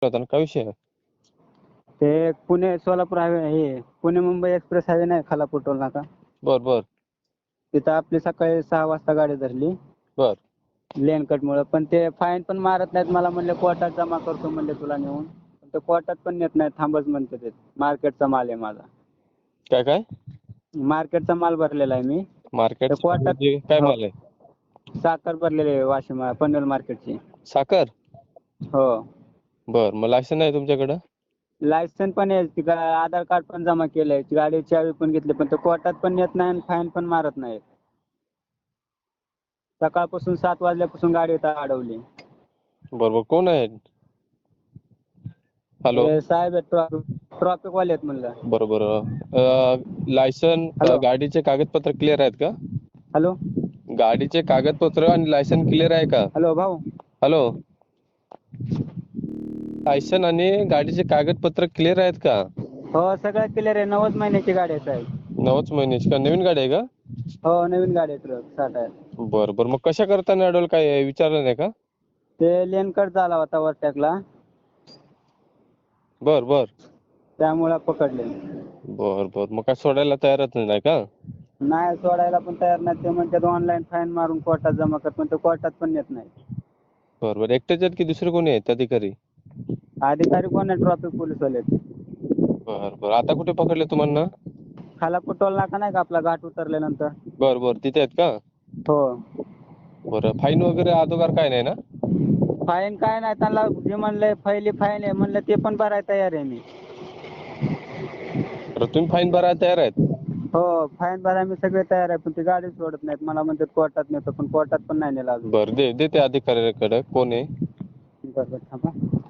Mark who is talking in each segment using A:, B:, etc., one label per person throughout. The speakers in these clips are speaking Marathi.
A: होता ना, काय विषय आहे?
B: ते पुणे सोलापूर हायवे हे पुणे मुंबई एक्सप्रेस हायवे नाही खालापूर टोल नाका
A: बर बर
B: तिथं आपली सकाळी 6 वाजता गाडी धरली
A: बर
B: लेन कट मुळे. पण ते फाईन पण मारत नाहीत. मला म्हणले कोर्टात जमा करतो म्हणले तुला नेऊन. पण ते कोर्टात पण नेत नाहीत, थांबच म्हणते ते. मार्केटचा माल आहे माझा.
A: काय काय
B: मार्केटचा माल भरलेला आहे मी.
A: मार्केट
B: तर कोर्टात
A: काय
B: हो,
A: माल आहे?
B: साखर भरलेली आहे वाशिम पनवेल मार्केटची.
A: साखर?
B: हो,
A: बर, मग लायसन आहे तुमच्याकडं?
B: लायसन पण आहे, आधार कार्ड पण जमा केलंय, गाडीची चावी पण घेतली. पण ते कोर्टात पण नेत नाही आणि फाईन पण मारत नाही. सकाळपासून 7 वाजल्यापासून गाडी इथं अडवली.
A: बरोबर, कोण आहे? हॅलो,
B: हे साहेब ट्रॉफिक वाले आहेत म्हणलं.
A: बरोबर. लायसन,
B: हॅलो
A: गाडीचे कागदपत्र क्लिअर आहेत का?
B: हॅलो
A: गाडीचे कागदपत्र आणि लायसन क्लिअर आहे का?
B: हॅलो भाऊ.
A: हॅलो, लायसन आणि गाडीचे कागदपत्र क्लिअर आहेत का?
B: हो, सगळं क्लिअर आहे. 9 महिन्याची गाडी आहे साहेब.
A: 9च महिन्याची का? नवीन गाडी आहे का?
B: हो, नवीन गाडी आहे ट्रक 60 आहे.
A: बर बर, मग कशा करताना अडवलं, काय विचारलं नाही का?
B: ते लेन कट झाला होता वरटॅकला,
A: बर बर
B: त्यामुळे पकडले.
A: बर बर, मग काय सोडायला तयारच नाही का?
B: नाही, सोडायला पण तयार नाही. ते म्हणतात ऑनलाईन फाईन मारून कोर्टात जमा कर, पण ते कोर्टात पण नेत नाही.
A: बर बर, एकटेच आहेत की दुसरे कोणी आहेत अधिकारी?
B: अधिकारी कोण आहे? ट्रॉफिक पोलीसवाले आहेत.
A: बर बर, आता कुठे पकडले तुम्हाला?
B: खालापूर टोल नाका नाही का आपला, घाट उतरल्यानंतर?
A: बर बर, तिथे आहेत का?
B: हो.
A: बरं, फाईन वगैरे अगोदर काय नाही ना?
B: फाईन काय नाही, त्यांना जे म्हणलंय पहिली फाईन आहे म्हणलं ते पण भरायला तयार आहे मी.
A: तर तुम्ही फाईन भरायला तयार आहेत?
B: हो, फाईन भरायला मी सगळे तयार आहे. पण ते गाडी सोडत नाहीत. मला म्हणतात कोर्टात नेतो, पण कोर्टात पण नाही नेला अजून.
A: बरं, दे त्या अधिकाऱ्याकडे. कोण आहे?
B: बरं थांबा.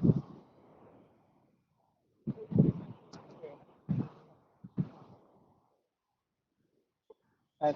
B: काय?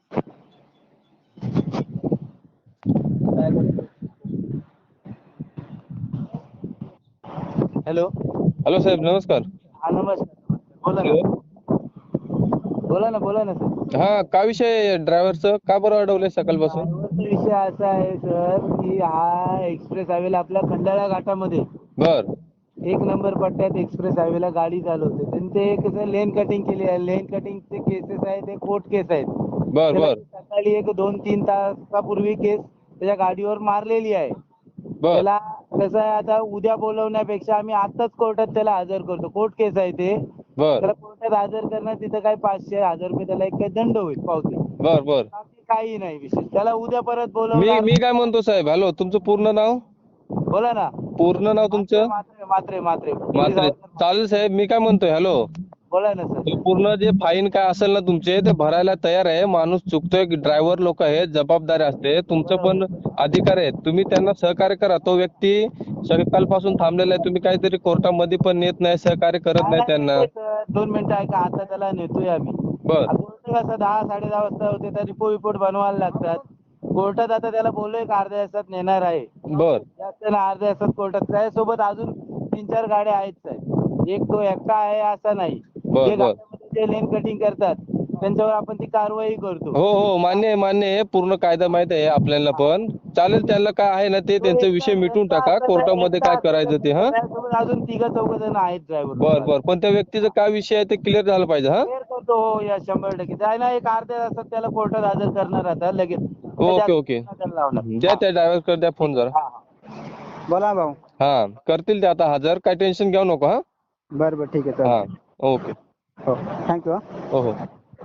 B: हॅलो.
A: हॅलो साहेब, नमस्कार.
B: हा, नमस्कार. बोला
A: हॅलो.
B: ना. बोला ना सर.
A: हा, काय विषय ड्रायव्हरचं? का बरं अडवलंय सकाळपासून?
B: ड्रायव्हरचा विषय असा आहे सर, की हा एक्सप्रेस हायवेला आपल्या खंडाळा घाटामध्ये
A: बर
B: 1 नंबर पट्ट्यात एक्सप्रेस हायवेला गाडी चालवते. त्यांनी ते कसं लेन कटिंग केली आहे. लेन कटिंगचे केसेस आहेत, ते कोर्ट केस आहेत.
A: बर
B: त्याला
A: बर
B: सकाळी 2-3 तासापूर्वी केस त्याच्या गाडीवर मारलेली आहे.
A: बर
B: त्याला कसं आहे, आता उद्या बोलवण्यापेक्षा आम्ही आताच कोर्टात त्याला हजर करतो. कोर्ट केस आहे ते.
A: बर
B: त्याला कोर्टात हजर करणं, तिथं काय 500-1000 रुपये त्याला एक काही दंड होईल पावती.
A: बर बर,
B: बाकी काही नाही विषय. त्याला उद्या परत
A: मी
B: बोलवणार.
A: मी काय म्हणतो साहेब, हॅलो, तुमचं पूर्ण नाव?
B: बोला ना.
A: पूर्ण नाव तुमचं?
B: मात्रे.
A: मात्रे. चालेल साहेब, मी काय म्हणतोय, हॅलो,
B: बोला ना सर.
A: पूर्ण जे फाईन काय असेल ना तुमचे, ते भरायला तयार आहे. माणूस चुकतोय, ड्रायव्हर लोक आहेत, जबाबदारी असते. तुमचं पण अधिकार आहे, तुम्ही त्यांना सहकार्य करा. तो व्यक्ती सकाळपासून थांबलेला आहे, तुम्ही काहीतरी कोर्टामध्ये पण नेत नाही, सहकार्य करत नाही त्यांना.
B: 2 मिनिटं ऐका. आता त्याला नेतोय आम्ही.
A: बर
B: कोर्ट कसं 10-10:30 वाजता होते, तर रिपोर्ट बनवायला लागतात. कोर्टात आता त्याला बोललोय एक अर्ध्या तासात नेणार आहे.
A: बर
B: जास्त ना अर्ध्या तासात कोर्टात. त्याच्यासोबत अजून 3-4 गाड्या आहेत साहेब. एक तो एकटा आहे असं नाही.
A: बर
B: जे
A: बर
B: गाड्यामध्ये जे लेन कटिंग करतात त्यांच्यावर आपण ती कारवाई करतो.
A: हो हो, मान्य आहे. पूर्ण कायदा माहित आहे आपल्याला पण. चालेल, त्याला काय आहे ना ते त्यांचा विषय मिटून टाका, कोर्टामध्ये काय करायचं ते. हा,
B: त्याच्यासोबत अजून 3-4 जण आहेत ड्रायव्हर.
A: बर, पण त्या व्यक्तीचा काय विषय आहे ते क्लिअर झालं पाहिजे. हा,
B: क्लिअर करतो. हो, या 100%. त्या ना एक अर्ध्या तासात त्याला कोर्टात हजर करणार आता लगेच.
A: ओके. द्या त्या ड्रायव्हरकडे, द्या फोन जरा.
B: बोला भाऊ.
A: हा, करतील ते आता हजर, काय टेन्शन घेऊ नको. हा,
B: बरं ठीक आहे,
A: हा,
B: चालेल.
A: ओके.
B: हो, थँक्यू.
A: हो हो.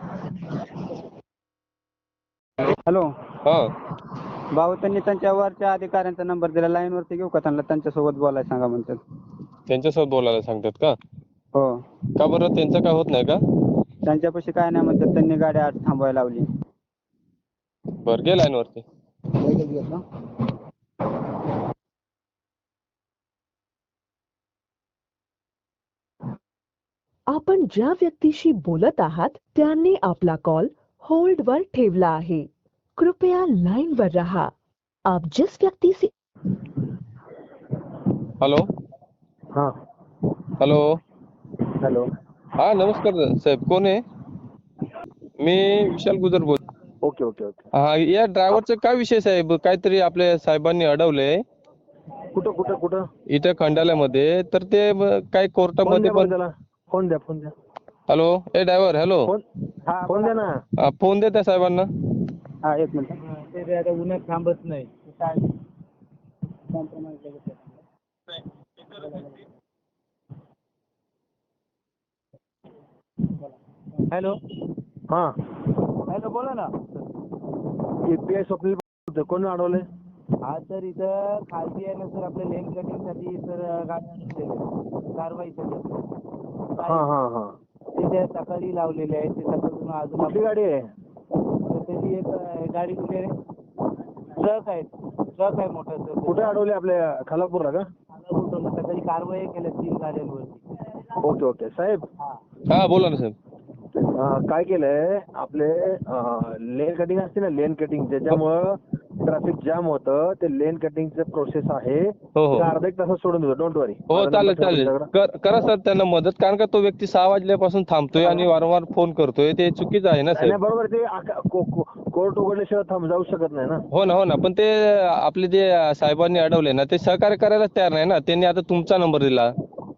B: हॅलो
A: हा,
B: भाऊ, त्यांनी त्यांच्या वरच्या अधिकाऱ्यांचा नंबर दिला. लाईनवरती घेऊ का त्यांना? त्यांच्यासोबत बोलायला सांगा म्हणतात.
A: त्यांच्यासोबत बोलायला सांगतात का?
B: हो,
A: का बरं, त्यांचं काय होत नाही का?
B: त्यांच्यापाशी काय नाही म्हणतात. त्यांनी गाडी आत थांबवायला लावली.
A: बरं, घे लाईनवरती.
B: लगेच घेतो.
C: आपण ज्या व्यक्तीशी बोलत आहात त्यांनी आपला कॉल होल्ड वर ठेवला आहे. कृपया लाइन पर रहा. आप जिस व्यक्ति से
A: हॅलो.
B: हां.
A: हॅलो.
B: हॅलो.
A: हा, नमस्कार साहेब, कोण आहे? मी विशाल गुजर बोल.
B: ओके.
A: हा, या ड्रायव्हरचा काय विषय साहेब? काहीतरी आपल्या साहेबांनी अडवलंय.
D: कुठं कुठं कुठं
A: इथे खंडाल्यामध्ये तर ते काही
D: फोन
A: कोर्टामध्ये
D: द्या बरं
A: पण.
D: त्याला. फोन द्या फोन द्या
A: हॅलो ए ड्रायव्हर हॅलो.
D: फोन फोन द्या ना.
A: फोन दे त्या साहेबांना.
B: हा एक मिनिट. ते आता उन्हात थांबत नाही. हॅलो.
D: हा
B: हॅलो बोला ना.
D: API स्वप्नील बोलतोय. कोण अडवलंय?
B: हा सर इथं खालती आहे ना सर आपल्या लेन कटिंगसाठी सर गाडी आणलेली कारवाईसाठी.
D: हा हा हा
B: ते त्या सकाळी लावलेले आहे ते सकाळपासून अजून
D: कुठली गाडी आहे?
B: तर त्याची एक गाडी कुठे ट्रक आहे मोठा सर.
D: कुठे अडवले? आपल्या खालापूरला का?
B: सकाळी कारवाई केल्या 3 गाड्यांवरती.
D: ओके ओके साहेब.
A: हा बोला ना साहेब.
D: काय केलंय आपले लेन कटिंग असते ना, लेन कटिंग ज्याच्यामुळं ट्रॅफिक जाम होतं, ते लेन कटिंगचं प्रोसेस आहे.
A: हो हो
D: ते अर्धा एक तासात सोडून देतो. Don't worry.
A: हो चालेल चालेल करा सर त्यांना मदत. कारण का तो व्यक्ती 6 वाजल्यापासून थांबतोय आणि वारंवार फोन करतोय ते चुकीचं आहे ना
D: नाही
A: साहेब.
D: बरोबर. ते कोर्ट उघडल्याशिवाय जाऊ शकत नाही ना.
A: हो ना पण ते आपले जे साहेबांनी अडवले ना ते सहकार्य करायलाच तयार नाही ना. त्यांनी आता तुमचा नंबर दिला.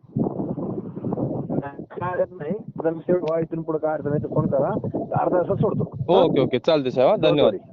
D: काय अडचण नाही. इथून पुढे काय अडचण नाही तर फोन करा. अर्धा तासात सोडतो.
A: ओके चालते साहेब.
D: Don't
A: धन्यवाद.
D: worry.